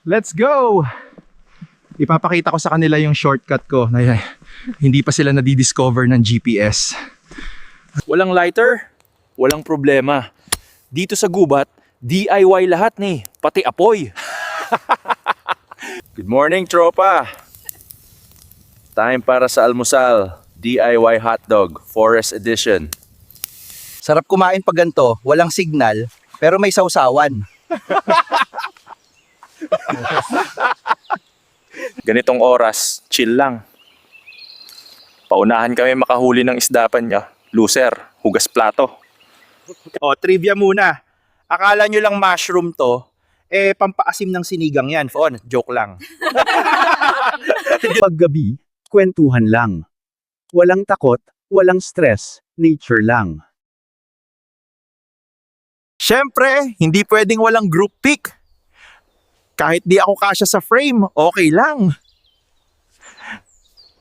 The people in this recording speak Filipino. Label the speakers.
Speaker 1: Let's go! Ipapakita ko sa kanila yung shortcut ko na hindi pa sila nadidiscover ng GPS.
Speaker 2: Walang lighter, walang problema. Dito sa gubat, DIY lahat ni, pati apoy. Good morning, tropa. Time para sa almusal. DIY hotdog, Forest Edition.
Speaker 3: Sarap kumain pag ganito, walang signal, pero may sausawan.
Speaker 2: Ganitong oras, chill lang. Paunahan kami makahuli ng isdapan niya. Loser, hugas plato.
Speaker 3: O, trivia muna. Akala nyo lang mushroom to, pampaasim ng sinigang yan. Fon, joke lang.
Speaker 4: Paggabi, kwentuhan lang. Walang takot, walang stress, nature lang.
Speaker 3: Siyempre, hindi pwedeng walang group pic. Kahit di ako kasya sa frame, okay lang.